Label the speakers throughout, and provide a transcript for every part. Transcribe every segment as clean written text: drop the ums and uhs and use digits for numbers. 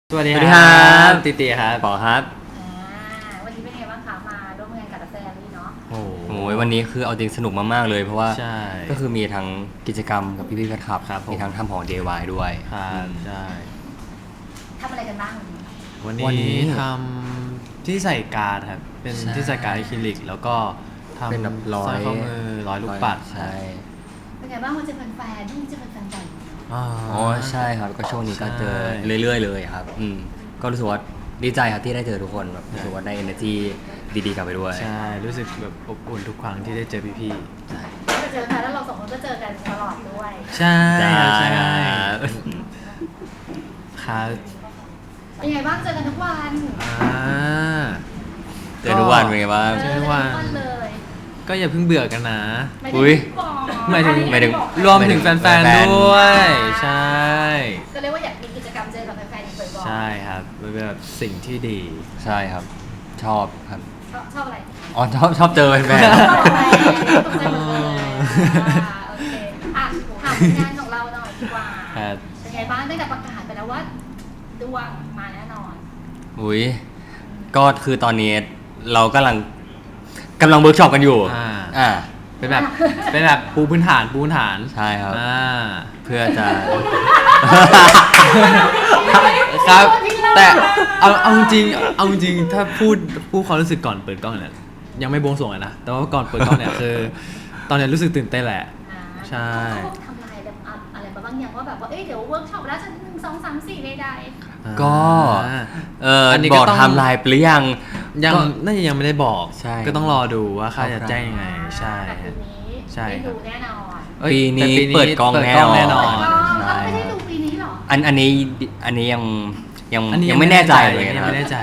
Speaker 1: สวัสดี
Speaker 2: ครั
Speaker 1: ครั
Speaker 2: บ
Speaker 1: ติติครับ
Speaker 2: ปอครับ
Speaker 3: วันนี้เป็นไงบ้างคะมาร่วมงานกับแฟนนี่เนาะ
Speaker 1: โอ้
Speaker 2: โอ้ยวันนี้คือเอาจริงสนุกมากๆเลยเพราะว่า
Speaker 1: ใช่
Speaker 2: ก็คือมีทั้งกิจกรรมกับพี่ๆแฟนคลับ
Speaker 1: ครับผม
Speaker 2: มีทั้งทำของ DIY ด้วย
Speaker 1: ครับใช่
Speaker 3: ทำอะไรกันบ้าง
Speaker 1: วัน
Speaker 2: วันนี้
Speaker 1: นี้ทำที่ใส่การ์ดครับเป็น
Speaker 2: ใช่
Speaker 1: ที่ใส่การ์ดอะคริลิกแล้วก็ทำ
Speaker 2: เป็นแบบร้อย
Speaker 1: สร้อยข้อมือร้อยลูกปัด
Speaker 2: ใช่
Speaker 3: เป็นไงบ้างวันเจอแฟนๆที่เจอแฟนๆบ่อย
Speaker 1: อ๋อ
Speaker 2: อ๋อใช่ครับก็ช่วงนี้ก็เจอ
Speaker 1: ใช่
Speaker 2: เรื่อยๆเลยครับก็รู้สึกว่าดีใจครับที่ได้เจอทุกคนแบบรู้สึกว่าได้ energy ดีๆกลับไปด้วย
Speaker 1: ใช่รู้สึกแบบอบอุ่นทุกครั้งที่ได้เจอพี่
Speaker 2: ใช่
Speaker 3: ก็เจอกันแล้วเราสองคนก็เจอกันตลอดด้วย
Speaker 1: ๆใช่
Speaker 2: ใช่
Speaker 1: ใช่
Speaker 2: ครับ
Speaker 1: ครับ
Speaker 3: เป็นไงบ้างเจอกันทุกวัน
Speaker 1: อ่า
Speaker 2: เจอทุกวันเป็นไงบ้าง
Speaker 1: เจอทุกวัน
Speaker 3: เลย
Speaker 1: ก็อย่าเพิ่งเบื่อกันนะ
Speaker 2: อุ๊ย
Speaker 1: หมายถึง
Speaker 2: หมายถึง
Speaker 1: รวมถึงแฟนๆด้วยใช่
Speaker 3: ก็เรียกว่าอยากมีกิจกรรมเจอกับแฟนๆอีกบ่อยๆ
Speaker 1: ใช่ครับมันเป็นแบบสิ่งที่ดี
Speaker 2: ใช่ครับ ชอบครับ
Speaker 3: ชอบอะไร
Speaker 2: อ๋อชอบเจอแฟน
Speaker 3: ชอบอะไรตกใจหมดเลยโอเคอ่ะถามงานของเราหน่อยดีกว่า
Speaker 1: ครับ
Speaker 3: เป็นไงบ้างได้แต่ประกาศไปแล้วว่าดวงมาแน่นอน
Speaker 2: ๆอุ้ยก็คือตอนนี้เรากำลังเวิร์กช็อปกันอยู่ อ่า
Speaker 1: เป็นแบบปูพื้นฐาน
Speaker 2: ใช่ครับ เพื่อจะ
Speaker 1: ครับ แต่เอาจริงถ้าพูดความรู้สึกก่อนเปิดกล้องเนี่ยยังไม่บวงสรวงเลยนะแต่ว่าก่อนเปิดกล้องเนี่ยคือ ตอนเนี้ยรู้สึกตื่นเต้นแหละ ใช่
Speaker 3: เขาทำลายอะไรมาบ้างอย่างว่าแบบว่าเดี๋ยวเวิร์กช็อปแล้วจะ1 2 3 4ใด
Speaker 2: ก็
Speaker 1: อันนี้
Speaker 2: บ
Speaker 1: ก็
Speaker 2: อก
Speaker 1: ต้อง
Speaker 2: ไทม์ไลน์ไปหรือยัง
Speaker 1: ยัง
Speaker 2: ก็
Speaker 1: น่าจะยังไม่ได้บอก
Speaker 2: ใช่
Speaker 1: ก็ต้องรอดูว่าค่าจะแจ้งยังไง
Speaker 3: ๆ
Speaker 1: ใช่
Speaker 3: แต่
Speaker 1: ฮะ
Speaker 3: ปีนี้
Speaker 1: ใช่
Speaker 3: ได้
Speaker 1: ครับ
Speaker 3: ดูแน่นอน
Speaker 1: เอ้ย
Speaker 2: ปีนี้
Speaker 1: แต่
Speaker 2: เปิดกล้องแน่นอน
Speaker 1: แน่นอน
Speaker 3: เราไม่ได้ดูปีนี้หรอ
Speaker 2: อันนี้ยัง
Speaker 1: อันนี้
Speaker 2: ยังไม่แน่ใจเลย
Speaker 1: ยัง
Speaker 2: นะ
Speaker 1: ไม่แน่ใจ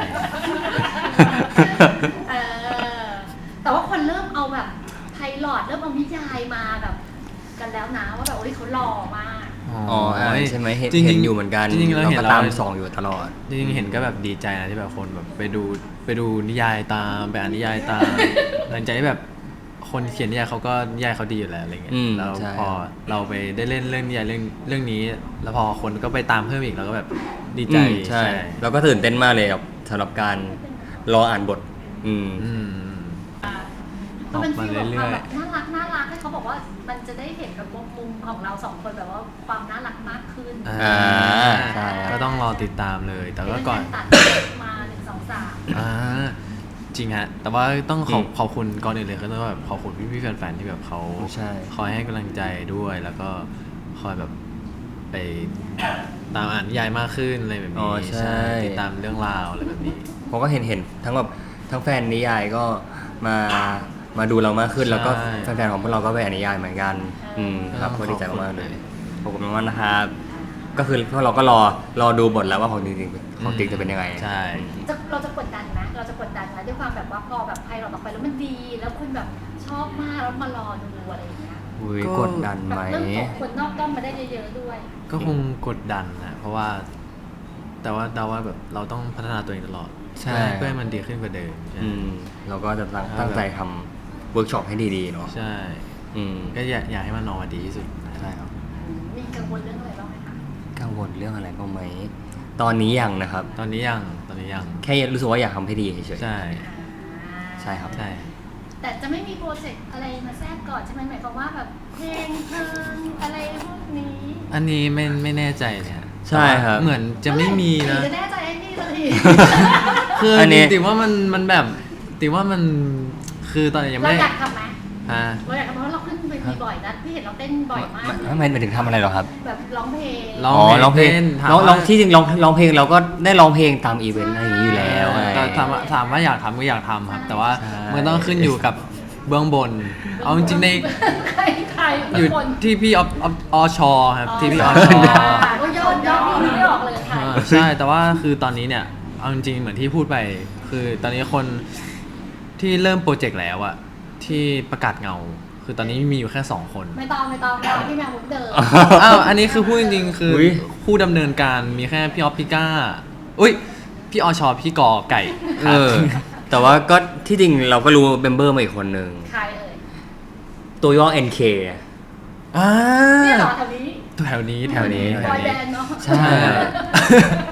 Speaker 3: เออแต่ว่าคนเริ่มเอาแบบไพลอตเริ่มเอานิยายมาแบบกันแล้วนะว่าแบบเขาหล่อมาก
Speaker 2: อ๋อใช่ไหมเห็น
Speaker 1: จริงๆ
Speaker 2: เห็นอยู่เหมือนกัน
Speaker 1: จริงๆเราเห็น
Speaker 2: ก็
Speaker 1: แล้ว
Speaker 2: ตามส่องอยู่ตลอด
Speaker 1: จริงๆเห็นก็แบบดีใจนะที่แบบคนแบบไปดูนิยายตามไปอ่านนิยายตาม หลังจากที่แบบคนเขียนนิยายเขาก็นิยายเขาดีอยู่แล้วอะไรเงี้ย
Speaker 2: อืม
Speaker 1: แล้ว
Speaker 2: ใช่
Speaker 1: พอเราไปได้เล่นเรื่องนิยายเรื่องนี้ แล้วพอคนก็ไปตามเพิ่มอีกเราก็แบบดีใจ
Speaker 2: ใช่แล้วก็ตื่นเต้นมากเลยครับสำหรับการรออ่านบท
Speaker 1: อืม
Speaker 3: มันเป็น
Speaker 1: ออกมา
Speaker 3: ฟีลแบบ
Speaker 1: เรื่อยๆ
Speaker 3: แบบน่ารักให้เขาบอกว่ามันจะได้เห็นแบบมุมของเราสองคนแบบว่าความน่ารักมากขึ้น
Speaker 1: อ่า
Speaker 2: ใช่
Speaker 1: ก็ต้องรอติดตามเลย แต่ว่าก่อน
Speaker 3: ตัดมา1 2 3
Speaker 1: อ่าจริงฮะ แต่ว่าต้องขอบคุณก่อนอื่นเลยก็ต้องแบบขอบคุณพี่ๆแฟนๆที่แบบเขา
Speaker 2: ใช่
Speaker 1: คอยให้กำลังใจด้วย แล้วก็คอยแบบไปตามอ่านนิยายมากขึ้นอะไรแบบ
Speaker 2: อ๋
Speaker 1: นี้
Speaker 2: อใช่
Speaker 1: ติดตามเรื่องราวอะไรแบบนี้
Speaker 2: ผมก็เห็นทั้งแบบทั้งแฟนนิยายก็มาดูเรามากขึ้น
Speaker 1: ใช่
Speaker 2: แล้วก็แฟนๆของพวกเราก็ไปอ่านนิยายเหมือนกันครับก็ดีใจมากๆเลยขอบคุณมากๆนะครับก็คือพวกเราก็รอดูบทแล้วว่าของจริงจะเป็นยังไง
Speaker 1: ใช่
Speaker 3: เราจะกดดันนะด้วยความแบบว่าพอแบบไพเราออกไปแล้วมันดี แล้วคนแบบชอบมากแล้วมารอดูอะไรอย่างเงี้ย
Speaker 2: อุ้ย
Speaker 1: ก็
Speaker 2: กดดันไหม
Speaker 3: แบบเริ่มส่งคนนอกด้อมมาได้เยอะๆด้วย
Speaker 1: ก็คงกดดันนะเพราะว่า แต่ว่าเดาว่าแบบเราต้องพัฒนาตัวเองตลอด
Speaker 2: ใช่
Speaker 1: เพื่อให้มันดีขึ้นกว่าเดิมใช่
Speaker 2: เราก็จะตั้งใจทำเวิร์กช็อปให้ดีๆเนาะ
Speaker 1: ใช่ ก็อยากให้มันออกมาดีที่สุด
Speaker 2: ใช่ครับ
Speaker 3: มีกังวลเรื่องอะไรบ้างไหมคะ
Speaker 2: กังวลเรื่องอะไรบ้างไหมตอนนี้ยังนะครับ
Speaker 1: ตอนนี้ยัง
Speaker 2: แค่รู้สึกว่าอยากทำให้ดีเฉย
Speaker 1: ใช่
Speaker 2: ๆใช่ครับ
Speaker 1: ใช่
Speaker 3: แต่จะไม่มีโปรเจกต์อะไรมาแทรกก่อนใช่ไหมหมายความว่าแบบเพลงอะไรพวกนี้
Speaker 1: อันนี้ไม่แน่ใจเนี่ย
Speaker 2: ใช่ครับ
Speaker 1: เหมือนจะไม่มีนะ
Speaker 3: จะแน่ใจไอ้นี่เลย
Speaker 1: คือ
Speaker 2: อันนี้
Speaker 1: ติว่ามันแบบติว่ามันคือตอนนี้ยัง
Speaker 3: เรา
Speaker 1: ไม่
Speaker 3: อยากทำไหม
Speaker 1: ฮะ
Speaker 3: เราอยากทำเพราะเราขึ้นเวทีบ่อยนะพี่เห็นเราเต้นบ่อยมาก
Speaker 2: ทำไมถึงทำอะไรหรอครับ
Speaker 3: แบบร้องเพลง
Speaker 1: ร้อง
Speaker 2: ร้องเพลง
Speaker 1: ต้นถาม
Speaker 2: ร้อง
Speaker 1: ว่า
Speaker 2: ที่จริงร้องเพลงเราก็ได้ร้องเพลงตามอีเวนต์อะไรอย่างนี้อยู่แล้วไง
Speaker 1: แต่ถามว่าอยากทำก็อยากทำครับ แต่ว่า
Speaker 2: ใช่
Speaker 1: มันต้องขึ้นอยู่กับเบื้องบน เอาจริงๆใน
Speaker 3: ใคร
Speaker 1: อยู่
Speaker 3: คน
Speaker 1: ที่พี่อชครับที่พี่อช
Speaker 3: ก็ยอดพี่ไม่ออกเลยค่ะ
Speaker 1: ใช่แต่ว่าคือตอนนี้เนี่ยเอาจริงๆเหมือนที่พูดไปคือตอนนี้คนที่เริ่มโปรเจกต์แล้วอะที่ประกาศเงา คือตอนนี้มีอยู่แค่2คน
Speaker 3: ไม่ต้องพี่แมวมุกเดิม
Speaker 1: อ้าวอันนี้คือพูดจริงๆคืออย ผู้ดำเนินการมีแค่พี่ออฟพี่ก้าอุ้ยพี่อชพี่กอไก่ค
Speaker 2: เอ
Speaker 1: รับ
Speaker 2: อ แต่ว่าก็ที่จริงเราก็รู้เมมเบอร์มาอีกคนหนึ่ง
Speaker 3: ใครเอ่ย
Speaker 2: ตัวย่อ NK
Speaker 1: อ่า
Speaker 3: เนี่ยเหรอแถวนี้
Speaker 1: แถวนี้
Speaker 2: แถวนี้
Speaker 3: บอยแบนด์เนาะ
Speaker 2: ใช่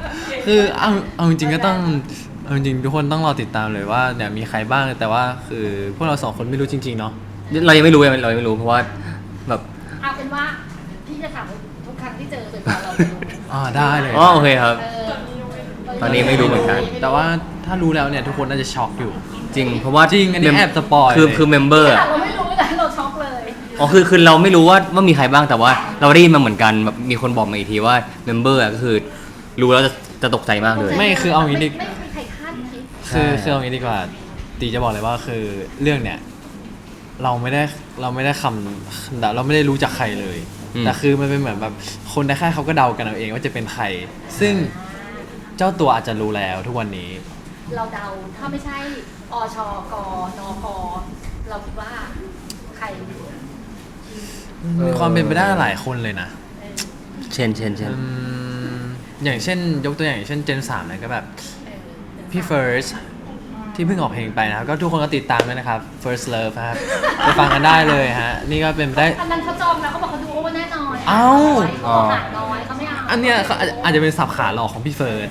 Speaker 1: คือเอาจริงๆก็ต้องเอาจริงๆทุกคนต้องรอติดตามเลยว่าเนี่ยมีใครบ้างแต่ว่าคือพวกเราสองคนไม่รู้จริงๆเนาะ
Speaker 2: เรายังไม่รู้เพราะว่าแบบ
Speaker 3: เอาเป็นว่าพี่จะถามทุกครั้งที่เจอจนกว่าเราจะรู้
Speaker 1: ได้เลย
Speaker 2: อ๋อโอเคครับ
Speaker 3: เออ
Speaker 2: ตอนนี้ไม่รู้เหมือนกัน
Speaker 1: แต่ว่าถ้ารู้แล้วเนี่ยทุกคนน่าจะช็อกอยู่
Speaker 2: จริงเพราะว่า
Speaker 1: จริงอันนี้แอบสปอย
Speaker 2: คือเมมเบอร์
Speaker 3: ขนาดเราไม่รู้แต่เราช็อกเลย
Speaker 2: อ๋อคือเราไม่รู้ว่ามีใครบ้างแต่ว่าเราได้ยินมาเหมือนกันแบบมีคนบอกมาอีกทีว่าเมมเบอร์ก็คือรู้แล้วจะตกใจมากเลย
Speaker 1: ไม่คือเอางี้ดิ
Speaker 3: ไม่มีใครคาดคิด
Speaker 1: คือเอางี้ดีกว่าตีจะบอกเลยว่าคือเรื่องเนี่ยเราไม่ได้เราไม่ได้รู้จักใครเลย แต่คือมันเป็นเหมือนแบบคนในค่ายเขาก็เดากันเอาเองว่าจะเป็นใคร ซึ่งเจ้าตัวอาจจะรู้แล้วทุกวันนี้
Speaker 3: เราเดาถ้าไม่ใช่อชกนพเราคิดว่าใคร
Speaker 1: มีความเป็นไปได้หลายคนเลยนะ
Speaker 2: เช่น
Speaker 1: อย่างเช่นยกตัวอย่างเช่นเจน3เนี่ยก็แบบพี่เฟิร์สที่เพิ่งออกเพลงไปนะครับก็ทุกคนก็ติดตามด้วยนะครับ First Love ครับไปฟังกันได้เลยฮะนี่ก็เป็นไปได้
Speaker 3: อันนั้นเขาจองแล้วเขาบอกเขาดูโอเวอร์แน่นอน
Speaker 1: เอ้า
Speaker 3: เขาหาน้อยเขาไม่เอา
Speaker 1: อันเนี้ยเขาอาจจะเป็นสับขาหลอกของพี่เฟิร์ส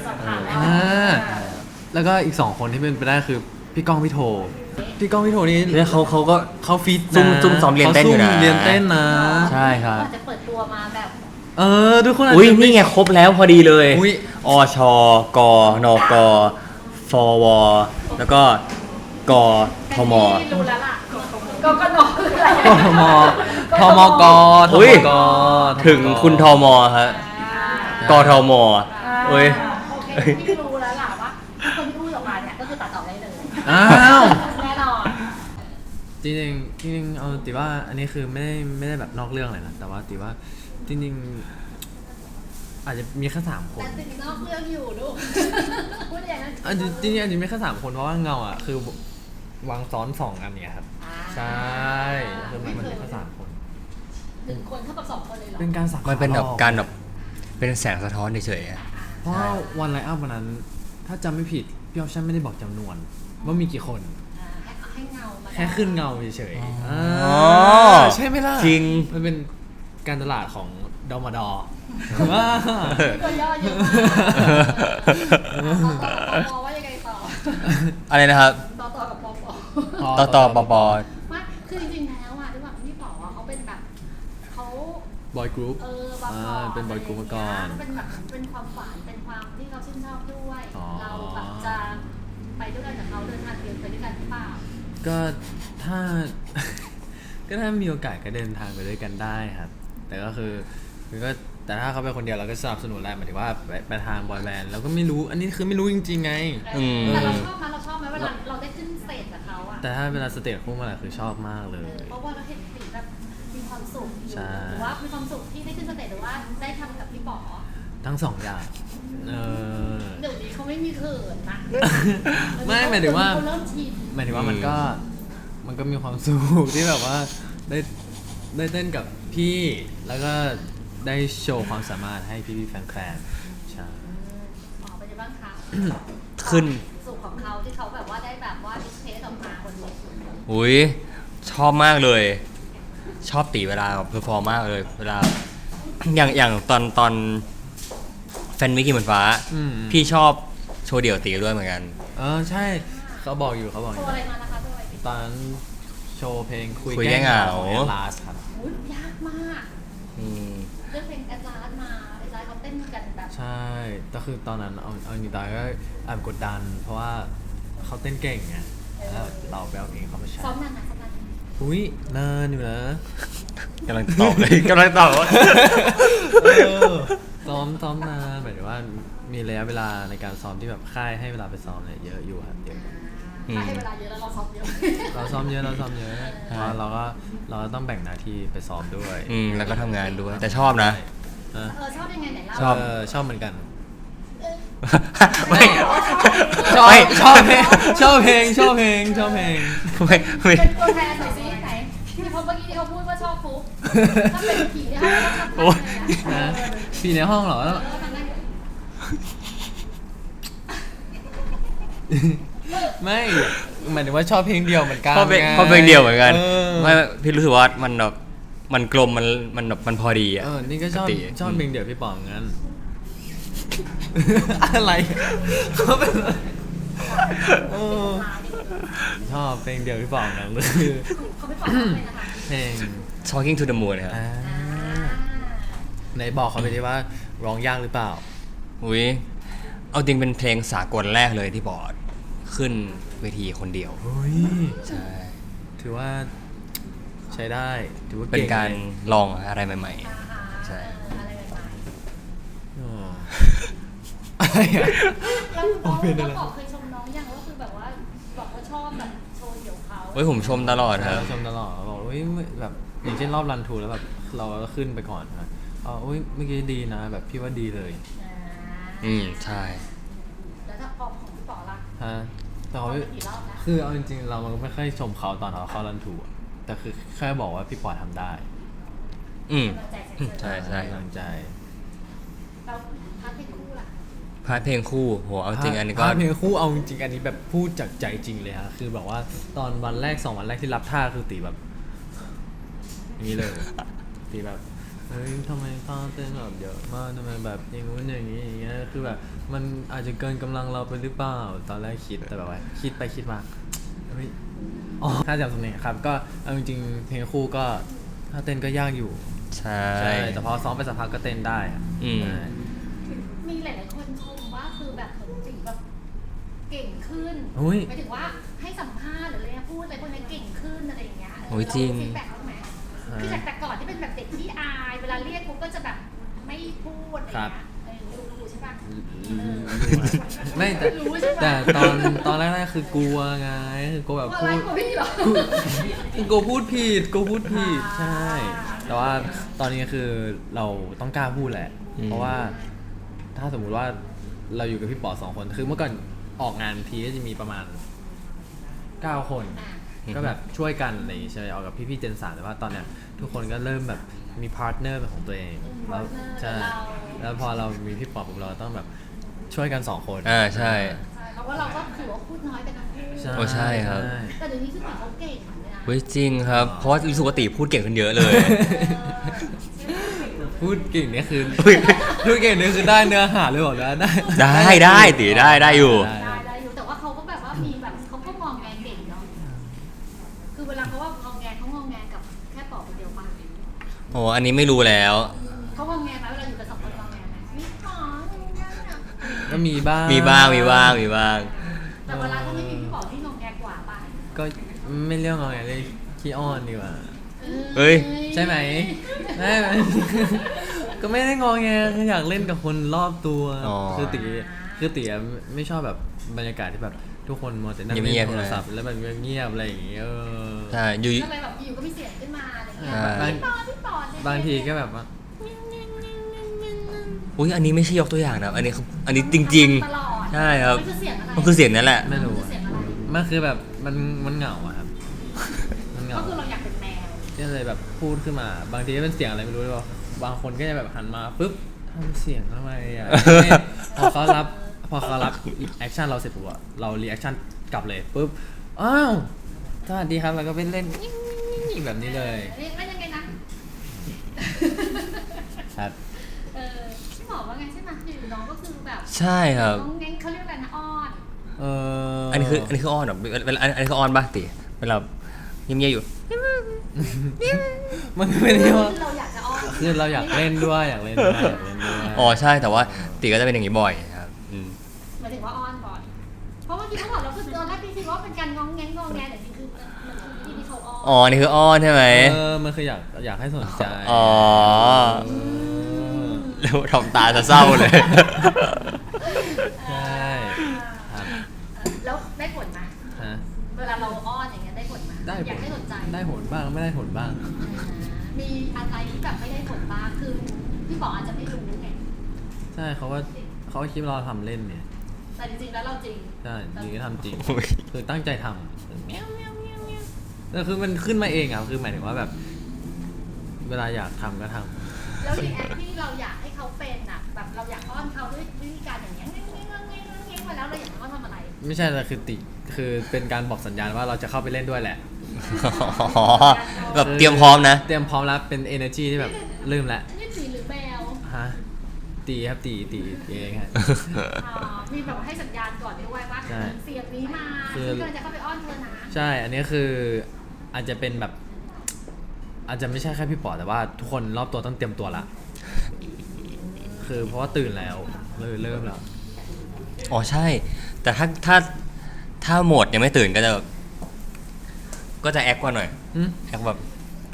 Speaker 1: แล้วก็อีก2คนที่เป็นไปได้คือพี่ก้องพี่โทพี่ก้องพี่โทนี่
Speaker 2: แล้วเขาก็
Speaker 1: เขาฟิต
Speaker 2: ซุ่มซ้อมเรียนเต้นอยู่นะ
Speaker 1: ขาซุ่มเรียนเต้นนะ
Speaker 2: ใช่ครับ
Speaker 3: อาจจะเปิดตัวมาแบบ
Speaker 1: ทุกคนอาจ
Speaker 2: อุ้ย
Speaker 1: จะม่
Speaker 2: นี่ไงครบแล้วพอดีเลย
Speaker 1: อุ๊ย
Speaker 2: อชกนกฟวแล้วก็กทม
Speaker 3: ไม่รู้แล้วล่ะก็นอคืออะไร
Speaker 1: ทมทมกท
Speaker 2: อุ๊
Speaker 1: ม
Speaker 2: ย
Speaker 1: ก
Speaker 2: ถึงคุณทมฮะกทมเอ้ย
Speaker 3: โอเคพี่รู้แล้วล่ะว่าคนที่พูดออกมาเนี่ยก็คือตัดต่อได้เลย
Speaker 1: อ้าว
Speaker 3: แน่นอน
Speaker 1: จริงๆเอาติว่าอันนี้คือไม่ได้แบบนอกเรื่องเลยนะแต่ว่าติว่าจริงๆอาจจะมีแค่3 คน
Speaker 3: แต่สิ่งนอกเรื่องอยู่ลูกพูดอย่างนั้น
Speaker 1: จริงๆอาจจะมีแค่3 คนเพราะว่าเงาอ่ะคือวางซ้อน2 อันเนี่ยครับใช่คือมันมีแค่3 คน
Speaker 3: 1 คนเท่ากับ2 คนเลยเหรอ
Speaker 1: เป็นการสัก
Speaker 2: มันเป็นแบบ
Speaker 1: หลอ
Speaker 2: การแบบเป็นแสงสะท้อนเฉยๆอะ
Speaker 1: เพราะว่าวันไลน์อัพวันนั้น ถ้าจำไม่ผิดพี่ออฟชั่นไม่ได้บอกจำนวน ว่ามีกี่คน
Speaker 3: ให้เงามา
Speaker 1: แค่ขึ้นเงาเฉยๆ
Speaker 2: อ๋อ
Speaker 1: ใช่ไหมล่ะ
Speaker 2: จริง
Speaker 1: มันเป็นการตลาดของดอมดอ
Speaker 3: ตัวย่อเยอะมากต่อว่ายังไงต่อ
Speaker 2: อะไรนะครับ
Speaker 3: ต่อกับปอ
Speaker 2: ต่อปอ
Speaker 3: ไม่คือจริงๆแล้วอ่ะด้วยความที่ป๋อเขาเป็นแบบเขา
Speaker 1: บอยกรุ๊ป
Speaker 3: บางก่อน
Speaker 1: เป็นบอยกรุ๊ปมาก่อน
Speaker 3: เป็นแบบเป็นความฝันเป็นความที่เขาชื่นชอบด้วย
Speaker 1: อ๋อ
Speaker 3: เราแบบจะไปด้วยกันกับเขาเดินทางเดียวไปด้วยกันหรือเปล่า
Speaker 1: ก็ถ้า ก็ถ้ามีโอกาสก็เดินทางไปด้วยกันได้ครับ แต่ก็คือก็แต่ถ้าเขาไปคนเดียวเราก็สนับสนุนแหละหมายถึงว่าไปทางบอยแบนด์เราก็ไม่รู้อันนี้คือไม่รู้จริงๆไง
Speaker 3: แต่เราชอบไหมเวลาเราได้ขึ้นสเตจกับเขาอ่ะ
Speaker 1: แต่ถ้าเวลาสเตจคู่มาแหละคือชอบมากเลย
Speaker 3: เพราะว่าเราเห็นสีแบบมีความสุขอยู่
Speaker 1: ใช่
Speaker 3: หรือว่ามีความสุขที่ได้ขึ้นสเตจหรือว่าได้ทำกับพี่ป๋อ
Speaker 1: ทั้ง2 อย่าง
Speaker 3: เดี๋ยวนี้เขาไม่มีเขินนะ
Speaker 1: ไม่หมายถึงว่า
Speaker 3: เขาเริ่มชิน
Speaker 1: หมายถึงว่ามันก็มีความสุขที่แบบว่าได้เต้นกับพี่แล้วก็ได้โชว์ความสามารถให้พี่แฟนแคลนใช่
Speaker 3: อ๋อเป็นยังไงบ้างคะ
Speaker 2: ขึ้น
Speaker 3: สุขของเขาที่เขาแบบว่าได้แบบว่าดิสเพลย์ออกมาบนเวที
Speaker 2: อุ้ยชอบมากเลย ชอบตีเวลาเพอร์ฟอร์มมากเลย เวลา อย่างตอนแฟนมิกกี้เหมือนฟ้า พี่ชอบโชว์เดี่ยวตีด้วยเหมือนกัน
Speaker 1: ใช่เขาบอกอยู่
Speaker 3: โชว์อะไรมานะคะโชว์อะไร
Speaker 1: ตอนนั้นโชว์เพลงคุย
Speaker 2: คุยแก้
Speaker 1: แก้
Speaker 2: เหงา
Speaker 1: ของแอลลาสครับ
Speaker 3: อุ้ยยากมาก
Speaker 2: อืม
Speaker 3: เรื่องเพลงแอดลาสมาแอดลาสเขาเต้นกันแบบ
Speaker 1: ใช่แต่คือตอนนั้นเอาจริงๆตอนก็แอบกดดัน เพราะว่าเขาเต้นเก่งไงแล้วเราไปเอาเองเขามาใช้
Speaker 3: ซ้อมนานนะซ้อมนาน
Speaker 1: อุ้ยนานอยู่นะ
Speaker 2: กำลังตอบเลย กำลังตอบว่า
Speaker 1: ซ้อมนานหมายถึงว่ามีระยะเวลาในการซ้อมที่แบบค่ายให้เวลาไปซ้อมเนี่ยเยอะอยู่ครับเยอะ
Speaker 2: อืม
Speaker 3: ให้เวลาเยอะแล้วเราซ้อมเยอะ
Speaker 1: เราซ้อมเยอะเพราะว่าเราก็ต้องแบ่งหน้าที่ไปซ้อมด้วย
Speaker 2: แล้วก็ทำงานด้วย แต่ชอบนะ
Speaker 3: ชอบยังไงไหนเล่า
Speaker 2: ชอบ
Speaker 1: ชอบเหมือนกัน
Speaker 2: ไม่
Speaker 1: ชอบเพลงชอบเพลง
Speaker 2: ไม่
Speaker 3: เป็นตัวแทนหน่อยสิไหนที่เขาเมื่อกี้ที่เขาพูดว่าชอบฟุ๊กถ้าเป็นผีเนี่ยเขาชอบ
Speaker 2: โอ้ย
Speaker 1: นะปีในห้องเหรอ ไม่หมายถึงว่าชอบเพลงเดียวเหมือนกัน
Speaker 2: ชอบเพลง
Speaker 1: ไง
Speaker 2: ชอบเพลงเดียวเหมือนกัน
Speaker 1: เออ
Speaker 2: ไม่พี่รู้สึกว่ามันแบบมันกลมมันแบบมันพอดีอ่ะ
Speaker 1: นี่ก็ชอบ
Speaker 2: ปกติ
Speaker 1: ชอบเพลงเดียวพี่ป๋องงั้นอะไรเขาเป็นอะไรเออ
Speaker 3: ลายเด็กเลย
Speaker 1: ชอบเพลงเดียวพี่ป๋องนะคือ
Speaker 3: เขาไม่บอกเลยนะคะ
Speaker 1: เพลง
Speaker 2: Talking to the Moon ครับ
Speaker 1: อ่า
Speaker 3: อ่า
Speaker 1: ไหนบอกเขาไปดิว่าร้องยากหรือเปล่า
Speaker 2: อุ้ยเอาจริงเป็นเพลงสากลแรกเลยที่บอร์ดขึ้นเวทีคนเดียว
Speaker 1: เฮ้ย
Speaker 2: ใช่
Speaker 1: ถือว่าใช้ได้ถือว่า
Speaker 2: เป็น
Speaker 1: เก่ง
Speaker 2: การ
Speaker 1: เลย
Speaker 2: ลองอะไรใหม่
Speaker 3: อ่าฮะ
Speaker 2: ใช่
Speaker 3: อะไรใหม่
Speaker 1: อ๋ออะไรอะ
Speaker 3: ๆแล้ว
Speaker 1: โอ้เป็นอะไร
Speaker 3: แล้วบอกเคยชมน้องยังว่าคือแบบว่าบอกว่าชอบแบบโชว์เดี่ยวเขา
Speaker 2: เฮ้ยผมชมตลอดครับ
Speaker 1: ชมตลอดบอกเฮ้ยแบบอย่างเช่นรอบรันทูแล้วแบบเราก็ขึ้นไปก่อนนะเฮ้ยเมื่อกี้ดีนะ แบบพี่ว่าดีเลย
Speaker 2: ใช่
Speaker 3: แล้วถ้าพอของพี่ป๋อล่ะ
Speaker 1: ฮะแต่
Speaker 3: พอ
Speaker 1: เขา
Speaker 3: ไปกี่รอบแล้ว
Speaker 1: คือเอาจริงๆเรามันก็ไม่ค่อยชมเขาตอนเขาเข้ารันทูอะแต่คือแค่บอกว่าพี่ปอทำได้
Speaker 2: อืม
Speaker 3: กำลังใจเฉยๆ
Speaker 2: ใช่ใช่
Speaker 1: กำลังใจ
Speaker 3: เราพักให้คู่ล่ะ
Speaker 2: พาร์ทเพลงคู่โหเอาจริงอันนี้ก็
Speaker 1: ภาพเพลงคู่เอาจริงๆอันนี้แบบพูดจากใจจริงเลยฮะคือแบบว่าตอนวันแรก2 วันแรกที่รับท่าคือตีแบบอย่างนี้เลยตีแบบเฮ้ยทำไมท่าเต้นแบบเยอะมากทำไมแบบอย่างงู้นอย่างนี้อย่างเงี้ยคือแบบมันอาจจะเกินกำลังเราไปหรือเปล่าตอนแรกคิดแต่แบบว่าคิดไปคิดมาเฮ้ยอ๋อถ้าจำสำเนียงครับก็เอาจริงๆเพลงคู่ก็ถ้าเต้นก็ยากอยู่
Speaker 2: ใช่
Speaker 1: ใช่แต่พอซ้อมไปสักพักก็เต้นได้อะ
Speaker 2: อืม
Speaker 1: ใช่
Speaker 3: มีหลายๆคนชมว่าคือแบบเหมือนตีแบบเก่งขึ้น
Speaker 1: อุ้ย
Speaker 3: หมายถึงว่าให้สัมภาษณ์หรืออะไรนะพูดอะไรพวกนี้เก่งขึ้นอะไรอย่างเงี้ย
Speaker 2: โอ้ยจริง
Speaker 3: ฟีดแบ็กบ้างไหมคือจากแต่ก่อนที่เป็นแบบเด็กที่อาย เวลาเรียกปุ๊บก็จะแบบไม่พูดอะไรอย่างเงี้ยรู้ใช่ปะ
Speaker 1: ไม่แต่
Speaker 3: รู้ใช่ปะ
Speaker 1: แต่ตอนแรกๆคือกลัวไงคือกลัวแบบ
Speaker 3: อะไร
Speaker 1: พูด
Speaker 3: ของพี่เหรอ
Speaker 1: กูพูดผิดใช่ แต่ว่าตอนนี้คือเราต้องกล้าพูดแหละ เพราะว่าถ้าสมมุติว่าเราอยู่กับพี่ป๋อ2 คนคือเมื่อก่อนออกงานทีก็จะมีประมาณ9 คน ก็แบบช่วยกันอะไรอย่างงี้ใช่ไหมออกกับพี่ๆเจน3แต่ว่าตอนเนี้ยทุกคนก็เริ่มแบบมีพาร์ทเนอร์เป็นของตัวเองแล้วใช่แล้วพอเรามีพี่ป๋อปุ๊บเราต้องแบบช่วยกัน2 คน
Speaker 2: ใช่
Speaker 3: ใช่เพราะว่าเราก็ถือว่าพูดน้อยไปทั้งคู่
Speaker 2: โอ้ใช่ครับ
Speaker 3: แต่เดี๋ยวนี้คือตีเขาเก่งเลยนะ
Speaker 2: เฮ้ยจริงครับ เพราะว่ารู้สึกว่าตีพูดเก่งขึ้นเยอะเลย
Speaker 1: พูดเก่งเนี่ยคือพูดเก่งเนี่ยคือได้เนื้อหาเลยบอกแล้วได้
Speaker 2: ได้ตีได้อยู่
Speaker 3: ได้อยู่แต่ว่าเขาก็แบบว่ามีแบบเขาก็งองแงเก่งเนาะคือเวลาเขาว่างองแงเขางองแงกับแค่ปอบคนเดียวป่ะ
Speaker 2: โอ้อันนี้ไม่รู้แล้ว
Speaker 3: เขางองแงไหมเวลาอยู่กับ2 คนงองแงไหมมีหมอเนี่ย
Speaker 1: ก็มีบ้าง
Speaker 2: มีบ้าง
Speaker 3: แต่เวลาถ้าไม่มีพี่บอกที่งองแงกว่าป่ะ
Speaker 1: ก็ไม่เรียกงอไงเลยขี้อ้อนดีกว่า
Speaker 2: เฮ้ย
Speaker 1: ใช่ไหมไม่ ก็ไม่ได้งอแงคืออยากเล่นกับคนรอบตัว
Speaker 2: อ๋อ
Speaker 1: คือตีอะไม่ชอบแบบบรรยากาศที่แบบทุกคนมัวแต่นั่ง
Speaker 2: เงี
Speaker 1: เล่
Speaker 2: ยบ
Speaker 1: น
Speaker 2: ๆ
Speaker 1: โทรศัพท์แล้วแบบเงียบๆอะไรอย่างเงี้ย
Speaker 2: ใช่อยู่
Speaker 3: ก็เลยแบบอยู่ก็มีเสียงขึ้นมาอะไรเงี้ย
Speaker 2: อ่า
Speaker 3: พี่ปอเนี่ย
Speaker 1: บางทีก็แบบว่า
Speaker 2: อุ้ยอันนี้ไม่ใช่ยกตัวอย่างนะ อันนี้คืออันนี้จริง
Speaker 3: ตลอด
Speaker 2: ๆ ใช่ครับ
Speaker 3: มันคือเสียงอะไร
Speaker 2: มันคือเสียงนั่นแหละ
Speaker 1: ไม่รู้
Speaker 3: มันคือเสียงอะไร
Speaker 1: มันคือแบบมันเหงาอะครับมันเหงา
Speaker 3: ก็คือเราอยากเป็นแมว
Speaker 1: ก็เลยแบบพูดขึ้นมา บางทีก็เป็นเสียงอะไรไม่รู้เลยว่าบางคนก็จะแบบหันมาปุ๊บทำเสียงทำไมอ่ะ พอเขารับแอคชั่นเราเสร็จปุ๊บอะเรารีแอคชั่นกลับเลยปุ๊บอ้าวสวัสดีครับแล้วก็ไปเล่นแบบนี้เลย
Speaker 3: เรียกว่ายังไงนะครับ พี่หมอว่าไงใช่ไหมอยู่น้องก็คือแบบ
Speaker 2: ใช่ครับ
Speaker 3: น้องเง้งเขาเรียกอะไรนะอ้อน
Speaker 2: อันนี้คืออ้อนเหรอเวลาอันนี้คืออ้อนป่ะตีเวลาเงียบๆอยู่
Speaker 1: มันไม่ได้ว่า
Speaker 3: เราอยากจะอ้อน
Speaker 1: คือเราอยากเล่นด้วยอยากเล่นด้วย
Speaker 2: อ๋อใช่แต่ว่าตีก็จะเป็นอย่างนี้บ่อยครับอืม
Speaker 3: หมายถึงว่าอ้อนก่อนเพราะเมื่อกี้เขาบอกเราคือตอนแรกพี่คิดว่าเป็นการง้องแงงงองแงแต่จริงๆคือมันคือวิธีที่เขาอ้อน
Speaker 2: อ๋อนี่คืออ้อนใช่ไหม
Speaker 1: มันคืออยากให้สนใจ
Speaker 2: อ๋อแล้วทำตาจะเศร้าเลย
Speaker 1: ใช่ครับ
Speaker 3: แล้วได้ผลไหม
Speaker 1: ฮะ
Speaker 3: เวลาเราอ้อนอย่างเงี้ยได้ผลไหม
Speaker 1: ได้
Speaker 3: อยากให้สนใจ
Speaker 1: ได้ผลบ้างไม่ได้ผลบ้าง
Speaker 3: มีอะไรที่แบบไม่ได้ผลบ้างคือพี่บอกอาจจะไม่รู้ไง
Speaker 1: ใช่เขาก็คิดว่าเราทำเล่นเนี่ย
Speaker 3: แต่จริงๆแล้วเราจริง
Speaker 1: ใช่จริงก็ทำจริง
Speaker 2: โอ้ย
Speaker 1: คือตั้งใจทำแต่คือมันขึ้นมาเองอ่ะคือหมายถึงว่าแบบ เวลาอยากทำก็ทำ
Speaker 3: แล้วรีแอคที่เราอยากให้เขาเป็นอ่ะแบบเราอยากอ้อนเขาด้วยวิธีการอย่างเงี้ยเงี้ยมาแล้วเราอยากให้เขาทำอะไร
Speaker 1: ไม่ใช่แต่คือเป็นการบอกสัญญาณว่าเราจะเข้าไปเล่นด้วยแหละ
Speaker 2: อ๋อแบบเตรียมพร้อมนะ
Speaker 1: เตรียมพร้อมแล้วเป็น energy ที่แบบลืมแล้ว
Speaker 3: นี่สีหรือแมว
Speaker 1: ฮะตีครับตีเองฮะ
Speaker 3: มีแบบว่าให้สัญญาณก่อนด้วยว่า
Speaker 1: ใช่
Speaker 3: เสียงนี้มา
Speaker 1: คือ
Speaker 3: ฉันกำลังจะเข้าไปอ้อนเธอนะ
Speaker 1: ใช่ อันนี้คืออาจจะเป็นแบบ อาจจะไม่ใช่แค่พี่ปอแต่ว่าทุกคนรอบตัวต้องเตรียมตัวละ คือเพราะว่าตื่นแล้วเลยเริ่มแล้ว
Speaker 2: อ๋อใช่ แต่ถ้าโหมดยังไม่ตื่นก็จะแอคกว่าหน่อย
Speaker 1: อืม
Speaker 2: แอคแบบ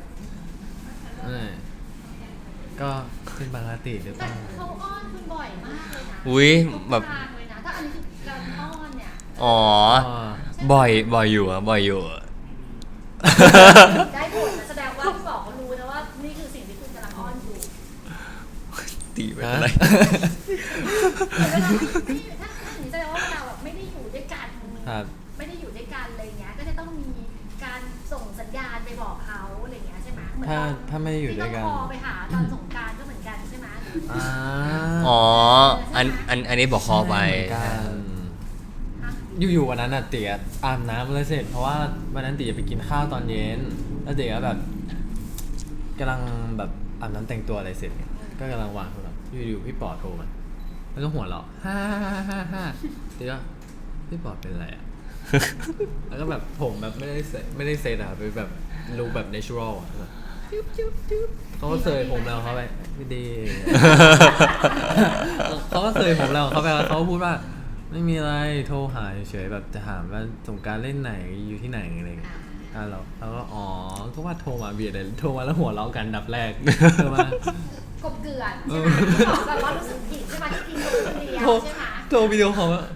Speaker 1: ก็เป็นปกติหรือเป
Speaker 3: แต่
Speaker 1: ล่า
Speaker 3: เขาอ้อนคุณบ่อยมากเลยนะ
Speaker 2: อุ๊ย
Speaker 3: ทุก
Speaker 2: แบบ
Speaker 3: ทางเลยนะถ้าอันนี้คือการอ้อนเนี่ย
Speaker 2: อ๋อ บ่อยอยู่อะบ่อยอยู่อะ
Speaker 3: ได้ผลนะแสดงว่าพี่บอกเขารู้นะว่านี่คือสิ่งที่คุณกำลังอ้อนอยู่
Speaker 2: ตีไปอะไร
Speaker 3: แต่เวลาที่ถ้าอย่างนี้แสดงว่าเราแบบไม่ได้อยู่ด้วยกัน
Speaker 1: ครับ
Speaker 3: ไม่ได้อยู่ด้วยกันอะไรเงี้ยก็จะต้องมีการส่งสัญญาณไปบอกเขาอะไรเงี้ยใช่ไหมเหมือน
Speaker 1: ถ้าไม่ได้อยู่ด้วยกัน
Speaker 3: ที่ต้องคอไปหาตอนสงกรานต์ก็เหมือนกันใช่ไหม
Speaker 1: อ่า
Speaker 2: อ๋อ อันนี้บอกคอไป
Speaker 1: ใช่เหมือนกันอยู่ๆวันนั้นน่ะเตี๋ยอาบน้ำเลยเสร็จ เพราะว่าวันนั้นเตี๋ยไปกินข้าวตอนเย็น แล้วเตี๋ยก็แบบกำลังแบบอาบน้ำแต่งตัวอะไรเสร็จเนี่ยก็กำลังวางโทรศัพท์อยู่ๆพี่ปอโทรมาแล้วก็หัวเราะฮ่าเตี๋ยก็พี่ปอเป็นอะไรอ่ะ แล้วก็แบบผมแบบไม่ได้เซตอะเป็นแบบรูปแบบ natural อะแบบจุ๊บเขาก็เสยผมแล้วเขาไปไม่ดี เขาก็เสยผมแล้วเขาไปแล้วเขาพูดว่าไม่มีอะไรโทรหาเฉยๆแบบจะถามว่าสงกรารเล่นไหนอยู่ที่ไหนอะไรอย่างเงี้ยเราก็อ๋อก็ว่าโทรมาเบียดเลยโทรมาแล้วหัวเราะกันดับแรกโทรมาก
Speaker 3: บเกลื่อนใช่ไหมบอกแบบว่ารู้สึกผิดใช่ไหมที่กินคนเดียว
Speaker 1: โทร
Speaker 3: ใช่ไหม
Speaker 1: โทรวิดีโอคอลว่า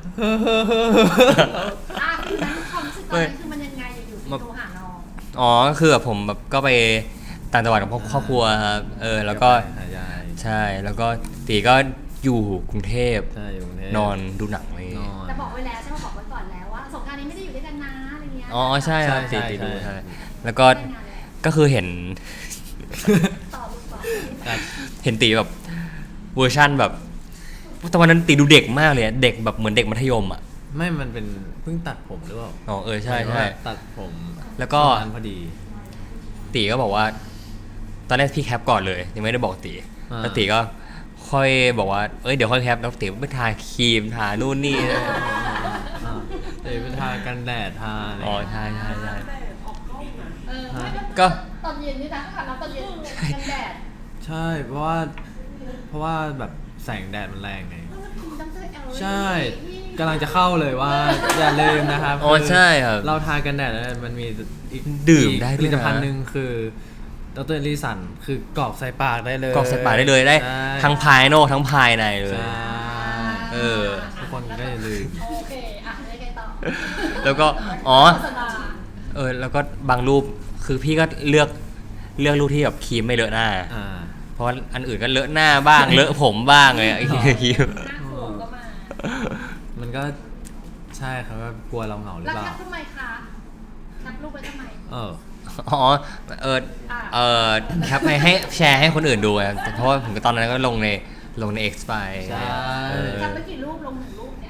Speaker 3: คือนั้นความรู้สึกตอนนั้นคือมันยังไงอยู่ๆที่โทรหาน้อง
Speaker 2: อ๋อคือแบบผมแบบก็ไปต่างจังหวัดกับครอบครัวครับแล้วก็
Speaker 1: หายาย
Speaker 2: ใช่แล้วก็ตีก็อยู่กรุงเทพ
Speaker 1: ใช่อยู่กรุงเทพ
Speaker 2: นอนดูหนังอะไรอย่าง
Speaker 1: น
Speaker 2: เงี้ย
Speaker 1: อน
Speaker 3: แต่บอกไว้แล้วใช่ไหมบอกไว้ก่อนแล้วว่าสงกรานต์นี้ไม่ได้อยู่ด้วยกันนะอะไรเงี้ย
Speaker 2: อ๋อใช่ครับ
Speaker 1: ใช่
Speaker 2: ตี
Speaker 1: ใช่
Speaker 2: ดู
Speaker 1: ใช่
Speaker 2: ใช่แล้วก็
Speaker 3: ได้งานแล้ว
Speaker 2: ก็คือเห็น
Speaker 3: ต่อลูกต่อ
Speaker 1: ครับ
Speaker 2: เห็นตีแบบเวอร์ชั่นแบบแต่วันนั้นตีดูเด็กมากเลยอะเด็กแบบเหมือนเด็กมัธยมอ่ะ
Speaker 1: ไม่มันเป็นเพิ่งตัดผมหรือเปล่า
Speaker 2: อ๋อใช่
Speaker 1: หมายถึง
Speaker 2: ใช่
Speaker 1: ว่าตัดผม
Speaker 2: แล้วก็
Speaker 1: ช่งนั้นพอดี
Speaker 2: ตีก็บอกว่า ตอนแรกพี่แคปก่อนเลยยังไม่ได้บอกตี
Speaker 1: อ่า
Speaker 2: แล้วตีก็ค่อยบอกว่าเดี๋ยวค่อยแคปแล้วตีไปทาครีมทานู่นนี่
Speaker 1: เดี๋ยวไปทากันแดดทาอะไร
Speaker 2: อ๋อใช่ใช่ใช่
Speaker 3: ไม่แล้ว
Speaker 2: ก็
Speaker 3: ตอนเย็นนี่นะค่ะแล้วตอนเย็นกันแดด
Speaker 1: ใช่เพราะว่าแบบแสงแดดมันแรงไง
Speaker 3: ดร. LED
Speaker 1: ใช่กำลังจะเข้าเลยว่า อย่าลืมนะครับ
Speaker 2: อ๋อใช่ครับ
Speaker 1: เราทากันแดดแล้วมันมีอีก
Speaker 2: ดื่มได้
Speaker 1: ผ
Speaker 2: ด้วยนะ
Speaker 1: ลิตภัณฑ์หนึ่งคือดรลิสันคือกรอกใส่ปากได้เลย
Speaker 2: กรอกใส่ปากได้เลยได้
Speaker 1: ใช่
Speaker 2: ทั้งภายนอกทั้งภายในเลย
Speaker 1: ใช่
Speaker 2: เออ
Speaker 1: ทุกคนก็อย่าลืม
Speaker 3: โอเคอ่ะยังไงต่อ
Speaker 2: แล้วก็อ๋อ
Speaker 3: โฆษณา
Speaker 2: แล้วก็บางรูปคือพี่ก็เลือกรูปที่แบบครีมไม่เลอะหน้า
Speaker 1: อ่า
Speaker 2: เพราะว่าอันอื่นก็เลอะหน้าบ้าง เลอะผมบ้างเลยไอ้ครีม
Speaker 3: หน้าโขงก็มา
Speaker 1: มันก็ใช่ครับว่ากลัวเราเหงาหรือ
Speaker 3: แล้ว
Speaker 1: เปล่า
Speaker 3: แคปทำไมคะแคปรูปไว้ทำไม
Speaker 2: อ๋อแคปให้แชร์ให้คนอื่นดูอะเพราะว่าผมก็ตอนนั้นก็ลงใน X ไป
Speaker 1: ใช่
Speaker 3: แคปไว้กี่รูปลงหนึ่งรูปเนี่ย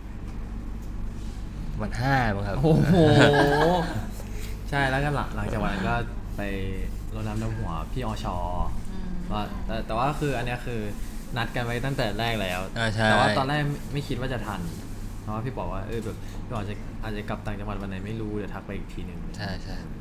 Speaker 2: มัน5มั้งครับ
Speaker 1: โอ้โห ใช่แล้วก็หลังจากวันนั้นก็ไปรดน้ำดำหัวพี่อชว่าแต่ว่าคืออันเนี้ยคือนัดกันไว้ตั้งแต่แรกแล้ว
Speaker 2: ใช่
Speaker 1: แต่ว่าตอนแรกไม่คิดว่าจะทัน เพราะว่าพี่บอกว่าแบบพี่บอกอาจจะกลับต่างจังหวัดวันไหนไม่รู้เดี๋ยวทักไปอีกทีหนึ่ง
Speaker 2: ใช่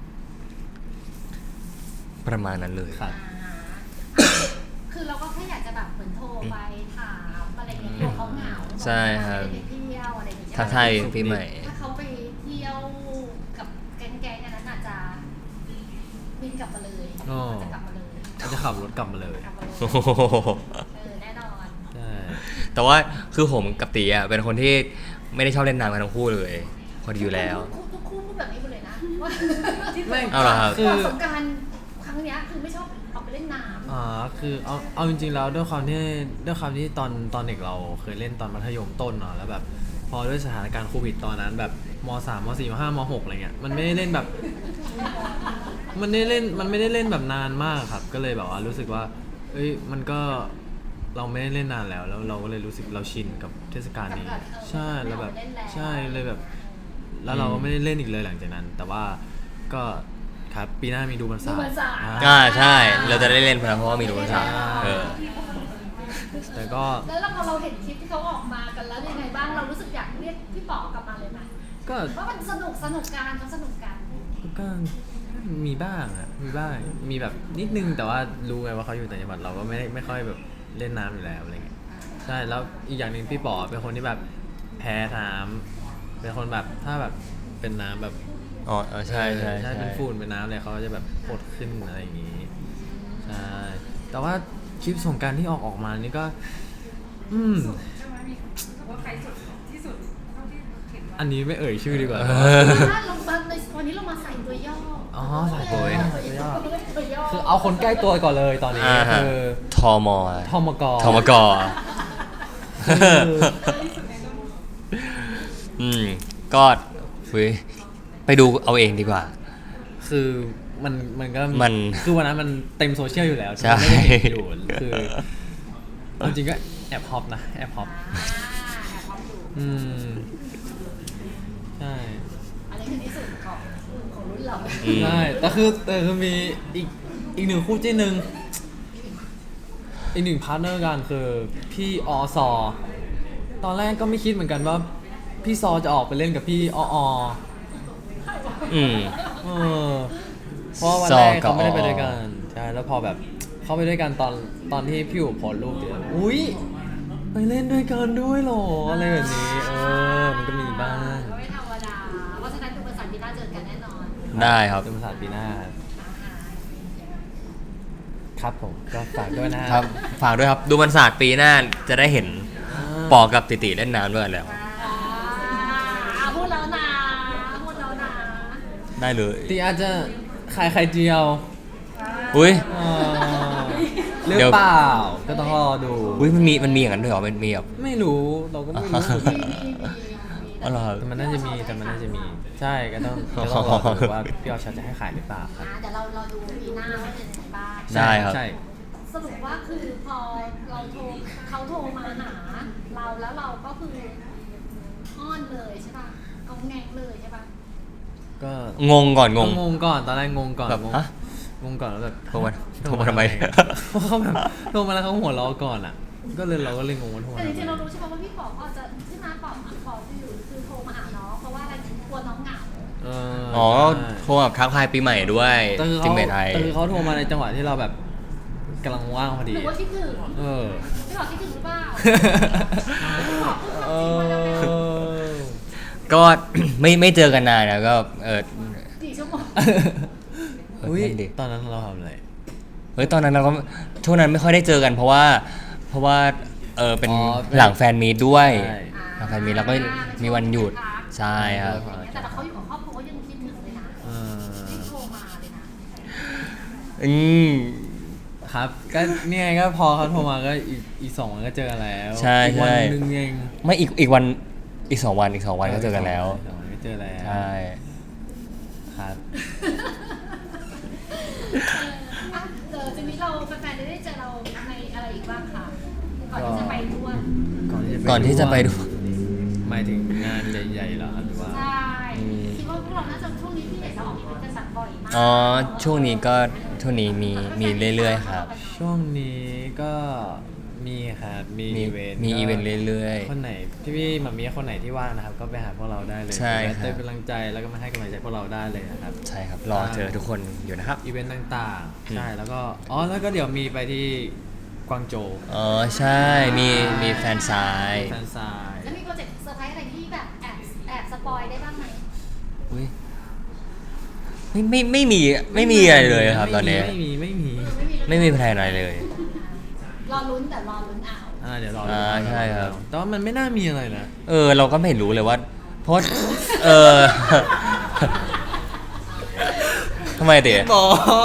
Speaker 2: ประมาณนั้นเลย
Speaker 1: ครับ
Speaker 3: คือเราก็แค่อยากจะแบบเหมือนโทรไปถามอะไรอย่างเงี้ยกลัวเขาเหงา
Speaker 2: ใช่ครับ
Speaker 3: ไปเที่ยวอะไรอย่างเงี้ย
Speaker 2: ทักทายปีใหม่
Speaker 3: ถ้าเขาไปเที่ยวกับแก๊งๆอันนั้นอาจจะบินกลับมาเลยอาจจะกลับมาเลย
Speaker 1: ก็จะขับรถกลับมาเลย
Speaker 3: กลับมาเลย
Speaker 2: โอ้โห
Speaker 3: แน่นอน
Speaker 1: ใช่
Speaker 2: แต่ว่าคือผมกับตีอ่ะเป็นคนที่ไม่ได้ชอบเล่นน้ำกันทั้งคู่เลยพอดีอยู่แล้ว
Speaker 3: ทุกคู่พูดแบบนี้หมดเลยนะว่า
Speaker 1: ไม่
Speaker 2: เอาเหรอครับ
Speaker 1: คือ
Speaker 3: ประสบการณ์ครั้งเนี้ยคือไม่ชอบออกไปเล่นน้ำ
Speaker 1: คือเอาจริงๆแล้วด้วยความที่ตอนเด็กเราเคยเล่นตอนมัธยมต้นเนาะแล้วแบบพอด้วยสถานการณ์โควิดตอนนั้นแบบม.3 ม.4 ม.5 ม.6 อะไรเงี้ยมันไม่ได้เล่นแบบ มันไม่ได้เล่นแบบนานมากครับ ก็เลยแบบว่ารู้สึกว่ามันก็เราไม่ได้เล่นนานแล้วเราก็เลยรู้สึกเราชินกับเทศกาลนี้ ใช่แล้วแบบใช่เลยแบบ แล้วเราก็ไม่ได้เล่นอีกเลยหลังจากนั้น แต่ว่าก็ครับปีหน้ามีดูมันสา
Speaker 3: ดูมันสา
Speaker 2: ใช่เราจะได้เล่นเพราะว่ามีรู้ภาษา
Speaker 1: ใช่
Speaker 2: เออ
Speaker 1: แต่ก็
Speaker 3: แล้วพอเราเห็นคลิปที่เขาออกมากันแล้วยังไงบ้างเรารู้สึกอยากเรียกพี่ป๋อกลับมาเลยไหม
Speaker 1: ก็
Speaker 3: ว่ามันสนุกกันเขาสนุกกัน
Speaker 1: ก็มีบ้างอะมีบ้างมีแบบนิดนึงแต่ว่ารู้ไงว่าเขาอยู่ต่างจังหวัดเราก็ไม่ค่อยแบบเล่นน้ำอยู่แล้วอะไรเงี้ยใช่แล้วอีกอย่างหนึ่งพี่ป๋อเป็นคนที่แบบแพ้น้ำเป็นคนแบบถ้าแบบเป็นน้ำแบบ
Speaker 2: อ๋อใช่ใช่
Speaker 1: ใช่เป็นฝุ่นเป็นน้ำอะไรเขาก็จะแบบปวดขึ้นอะไรอย่างงี้ใช่แต่ว่าคลิปสงกรานต์ที่ออกมานี่ก็
Speaker 4: ใช่ไหมมีว่าใครสุดที่สุดเท่าที่เห็นว่า
Speaker 1: อันนี้ไม่เอ่ยชื่อดีกว่า
Speaker 3: ถ้าลงมาในวันนี้เรามาใส่ตัวย่อ
Speaker 1: อ๋อใส่ตัวย่อ
Speaker 3: ตัวย่อ
Speaker 1: คือเอาคนใกล้ตัวก่อนเลยตอนนี้ คือ
Speaker 2: ทอมอ
Speaker 1: ทมก
Speaker 2: ทมก
Speaker 4: ที่สุดในโลก
Speaker 2: ก็ไปดูเอาเองดีกว่า
Speaker 1: คือมันก็
Speaker 2: มัน
Speaker 1: คือวันนั้นมันเต็มโซเชียลอยู่แล้ว
Speaker 2: ใช่
Speaker 1: ไม่ได้เห็นอยู่คือเอาจริงก็แอบฮอปนะแอบฮอป
Speaker 3: แอบความดู
Speaker 1: อืมใช่
Speaker 3: อันนี้คือที่สุดของรุ่นเรา
Speaker 1: ใช่แต่คือมีอีกหนึ่งคู่จิ้นหนึ่งอีกหนึ่งพาร์ทเนอร์กันคือพี่อซอตอนแรกก็ไม่คิดเหมือนกันว่าพี่ซอจะออกไปเล่นกับพี่อ
Speaker 2: อืม
Speaker 1: เออเพราะวันแรกเขาไม่ได้ไปด้วยกันใช่แล้วพอแบบเขาไปด้วยกันตอนที่พี่อู๋โพสต์รูปเดียวอุ้ยไปเล่นด้วยกันด้วยเหรออะไรแบบนี้มันก็มีบ้าง
Speaker 3: ก็ไม่ธรรมดาเพราะฉะนั้นดูภาษาปีหน้าเจอกันแน่นอน
Speaker 2: ได้ครับ
Speaker 1: เป็นภาษาปีหน้าครับผมก็ฝากด้วยนะครับ
Speaker 2: ฝากด้วยครับ ดูมันศาสตร์ปีหน้าจะได้เห็นปอกับติติเล่นน้ำด้วยแล้ว
Speaker 3: พูดแล้วนะพูดแล้วนะ
Speaker 2: ได้เลย
Speaker 1: ตีอาจจะขายไข่เจียว
Speaker 2: อุ้ย
Speaker 1: หรือ
Speaker 2: เดี๋ยว
Speaker 1: เปล่าก็ต้องรอดู
Speaker 2: อุ้ยมันมีอย่างนั้นด้วยเหรอมันมีแบบ
Speaker 1: ไม่รู้เราก็ไม่รู้
Speaker 2: อ๋อเหรอ
Speaker 1: แต่มันน่าจะมีใช่ก็ต้องรอดูว่าพี่ออชจะให้ขายหรือเปล่าครับ
Speaker 3: เดี๋ยวเราดูปีหน้าว่าเป็นยังไงบ้าง
Speaker 2: ได้ครับ
Speaker 1: ใช่
Speaker 3: สรุปว่าคือพอเขาโทรมาหาเราแล้วเราก็คืออ้อนเลยใช่ป่ะเอาแงงเลยใช่ป่ะ
Speaker 1: ก็
Speaker 2: งงก่อนงง
Speaker 1: งก่อนตอนแรกงงก่อน
Speaker 2: แบบฮะ
Speaker 1: งงก่อนแล้วแบบ
Speaker 2: โทรมาทำไม
Speaker 1: เขาแบบโทรมาแล้วเขาหัวเราะก่อนอ่ะ ก็เลยเราก็เลยงงว่าโทรมา
Speaker 3: แต่จ
Speaker 1: ทำ
Speaker 3: ริงๆเรา
Speaker 1: ไม
Speaker 3: รู้ใช่ป่ะว่าพี่ป๋องอาจจะที่มาป๋องอยู่คือโทรมาหาน้องเพราะว่าอะไรกลัวน้องเหงา
Speaker 2: อ๋อ
Speaker 1: ใช่
Speaker 2: โทรแบบทักทายปีใหม่ด้วย
Speaker 1: แต่คือ
Speaker 2: จิ
Speaker 1: เขา
Speaker 2: มเมทไทย
Speaker 1: แต่คือเขาโทรมาในจังหวะที่เราแบบกำลังว่างพอ
Speaker 3: ห
Speaker 1: ดี
Speaker 3: รือว่าคิดถึง
Speaker 1: เออ
Speaker 3: พี่ป๋องคิดถึงหรือเปล่า
Speaker 1: เออ
Speaker 2: ก็ ไม่เจอกันนานนะก็
Speaker 3: กี่ชั่วโมง
Speaker 1: อุ้ย
Speaker 2: นั่นดิ
Speaker 1: ตอนนั้นเราทำอะไร
Speaker 2: เฮ้ยตอนนั้นเราก็ช่วงนั้นไม่ค่อยได้เจอกันเพราะว่าเป็น
Speaker 1: อ๋อ
Speaker 2: หลังแฟนมีตด้วย
Speaker 1: ใช่
Speaker 2: หลังแฟนมีตแล้วก็มีวันหยุดใช่ครับ
Speaker 3: แต่เขาอยู่กับครอบครัวก็ยังคิดถึงเลยนะ
Speaker 1: เออ
Speaker 3: ที่โทรมาเลยนะ
Speaker 2: อืม
Speaker 1: ครับก็เนี่ยไงก็พอเขาโทรมาก็อีก2 วันก็เจอกันแล้ว
Speaker 2: ใช่
Speaker 1: อีกวัน
Speaker 2: ใช่
Speaker 1: หนึงเอง
Speaker 2: ไม่อีกวันอีก2 วันก็เจอกันแล้ว
Speaker 1: อีก2 วันก็เจอแล้ว
Speaker 2: ใช่
Speaker 1: ครับ
Speaker 3: ทีนี้เราแฟนๆได้เจอเราในอะไรอีกบ้างคะก่อนที่จะไปด้วน
Speaker 2: ก่อนที่จะไปดู
Speaker 1: หมายถึงงานใหญ่ๆเหรอหรือว่า
Speaker 3: ใช่คิดว่าพวกเราน่าจะช่วงนี้ที่เห็นเราออกอีเวนต์กันสักบ่อยมาก
Speaker 2: อ๋อช่วงนี้มีเรื่อยๆครับ
Speaker 1: ช่วงนี้ก็มีครับมี
Speaker 2: มี
Speaker 1: อีเวนต์
Speaker 2: มีอีเวนต์เรื่อยๆ
Speaker 1: คนไหนพี่ๆมามีคนไหนที่ว่างนะครับ ก็ไปหาพวกเราได้เลย
Speaker 2: ใช่ครับ
Speaker 1: เติมกำลังใจแล้วก็มาให้กำลังใจพวกเราได้เลยนะครับ
Speaker 2: ใช่ครับรอเจอทุกคนอยู่นะครับ
Speaker 1: อีเวนต์ต่างๆ
Speaker 2: อืม
Speaker 1: ใช่แล้วก็แล้วก็เดี๋ยวมีไปที่กวางโจว
Speaker 2: อ๋อใช่มีแฟนซาย
Speaker 1: แฟนซาย
Speaker 3: แล้วมีโปรเจกต์เซอร์ไพรส์อะไรที่แบบแอบสปอยได้บ้างไหม
Speaker 2: อุ้ยไม่มีอะไรเลยครับตอนนี้
Speaker 1: ไม่มี
Speaker 2: ไม่มีแพลนอะไรเลย
Speaker 3: รอลุ้นแต่รอลุ้นเอา
Speaker 1: เดี๋ยวรอ
Speaker 2: ใช่ครับ
Speaker 1: แต่ว่ามันไม่น่ามีอะไรนะ
Speaker 2: เราก็ไม่รู้เลยว่า เพราะทำไมเต๋
Speaker 1: หมอ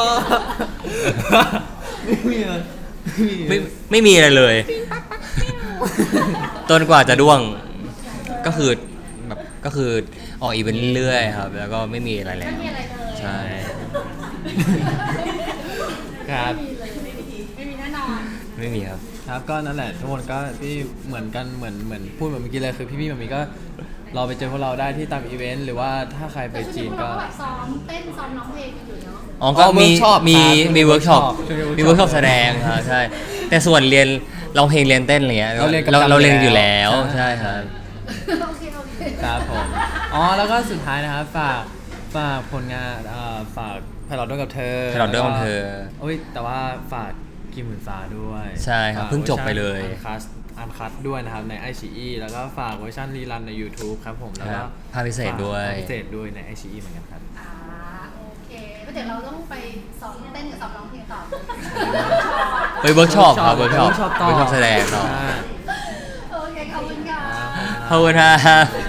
Speaker 1: ไม่มีอะไร
Speaker 2: ไม่มีอะไรเลยจนกว่าจะด้วงก็คือออกอีเวนต์เรื่อยๆครับ แล้วก็ไม่มีอะไรแล้
Speaker 3: ไม่
Speaker 2: ว
Speaker 3: มีอะไรเลย
Speaker 2: ใช่
Speaker 1: ครับ
Speaker 3: ไม่มีแน่นอน
Speaker 2: ไม่มีครับ
Speaker 1: ครับก็นั่นแหละทุกคนก็พี่เหมือนกันเหมือนพูดเหมือนเมื่อกี้เลยคือพี่ๆแบบนี้ก็เราไปเจอพวกเราได้ที่ตามอีเวนต์หรือว่าถ้าใครไป
Speaker 3: แต่ช่วง
Speaker 1: จี
Speaker 3: นี้
Speaker 1: น
Speaker 3: พวก
Speaker 1: ก็
Speaker 3: เราแบบซ้อมเต้นซ้อมร้องเพลงกันอยู่เนาะ
Speaker 2: อ๋อก็มี
Speaker 1: workshop ครับ
Speaker 2: มีเวิร์กช็อป
Speaker 1: ช่วงนี้
Speaker 2: มีเวิร์กช็อปแสดงครับใช่ แต่ส่วนเรียนร้องเพลงเรียนเต้นอะไรเงี้ย
Speaker 1: เราเรียนกับ
Speaker 2: เราเรียนอยู่แล้ว
Speaker 1: ใช่
Speaker 2: ใช่ครับ
Speaker 3: โอเคโอเค
Speaker 1: ครับผมอ๋อแล้วก็สุดท้ายนะครับฝากผลงานฝากไพลอตด้วยกับเธอ
Speaker 2: Pilot ด้วยกับเธอ
Speaker 1: โอ้ยแต่ว่าฝากกิมหมื่นฟ้าด้วย
Speaker 2: ใช่ครับเพิ่งจบไปเลย
Speaker 1: อันคัดด้วยนะครับใน iQIYI แล้วก็ฝากเวอร์ชันรีรันใน YouTube ครับผมแล้ว
Speaker 2: ครั
Speaker 1: ก็
Speaker 2: บภาคพิเศษด้วย
Speaker 1: ภาคพิเศษด้วยใน iQIYI เหมือนกันครับ
Speaker 3: อ่าโอเคแล้วเดี๋ยวเราต้องไปซ้อมเต้นกับซ้อมร้องเพลงต่อ
Speaker 2: ไปเวิร์กช็อปครับเวิร์กช็อป
Speaker 1: ต่อ
Speaker 2: แสดงต่อ
Speaker 1: ใช่
Speaker 3: โอเคขอบคุณค่ะ
Speaker 2: ขอบคุณครับ